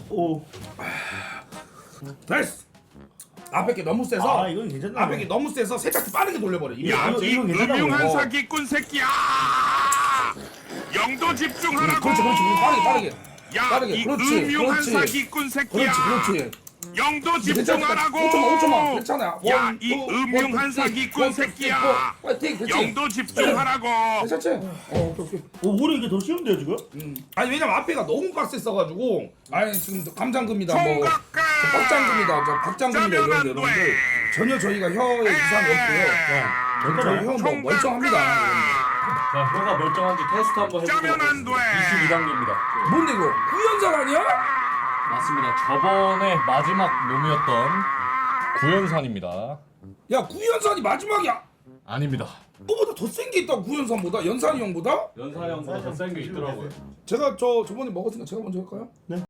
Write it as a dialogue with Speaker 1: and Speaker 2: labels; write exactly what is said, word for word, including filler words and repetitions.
Speaker 1: 오.
Speaker 2: 됐어. 앞에 게 너무 세서.
Speaker 1: 아 이건 괜찮네.
Speaker 2: 앞에 게 너무 세서 세탁기 빠르게 돌려버려. 이게
Speaker 3: 야,
Speaker 1: 이거-
Speaker 3: 이
Speaker 1: 이건 괜찮다고.
Speaker 3: 음흉한
Speaker 2: 어.
Speaker 3: 사기꾼 새끼야! 영도 집중하라고!
Speaker 2: 그렇지 그렇지 빠르게 빠르게.
Speaker 3: 야,
Speaker 2: 빠르게.
Speaker 3: 이
Speaker 2: 그렇지,
Speaker 3: 음흉한
Speaker 2: 그렇지.
Speaker 3: 사기꾼 새끼야!
Speaker 2: 그렇지 그렇지.
Speaker 3: 영도 집중하라고!
Speaker 2: 오 초만 오 초만 괜찮아.
Speaker 3: 야,
Speaker 2: 원,
Speaker 3: 이
Speaker 2: 투,
Speaker 3: 음흉한
Speaker 2: 원, 투,
Speaker 3: 사기꾼
Speaker 2: 원, 투,
Speaker 3: 새끼야!
Speaker 2: 쓰리, 포. 파이팅 그렇지.
Speaker 3: 영도 집중하라고!
Speaker 2: 괜찮지? 어 오케이 오케이.
Speaker 1: 오 오히려 이게 더 쉬운데요 지금?
Speaker 2: 음. 아니 왜냐면 앞에가 너무 빡셌어가지고 아니 지금 감장금이다 뭐
Speaker 3: 총각가!
Speaker 2: 저 빡장금이다 저 박장금이다
Speaker 3: 짜면
Speaker 2: 이런
Speaker 3: 안
Speaker 2: 여러분들
Speaker 3: 돼.
Speaker 2: 전혀 저희가 혀에 이상이 없고요. 저희 혀 뭐 멀쩡합니다.
Speaker 4: 자, 혀가 멀쩡한지 테스트 한번 해보도록
Speaker 3: 짜면 안 돼.
Speaker 4: 이십이 단계입니다.
Speaker 2: 뭔데 이거 구연산 아니야?
Speaker 4: 맞습니다. 저번에 마지막 놈이었던 구연산입니다.
Speaker 2: 야 구연산이 마지막이야.
Speaker 4: 아닙니다.
Speaker 2: 너보다 더 센 게 있다 구연산보다 연산이 형보다?
Speaker 4: 연산이 형보다 더 센 게 있더라고요.
Speaker 2: 제가 저 저번에 먹었으니까 제가 먼저 할까요?
Speaker 1: 네.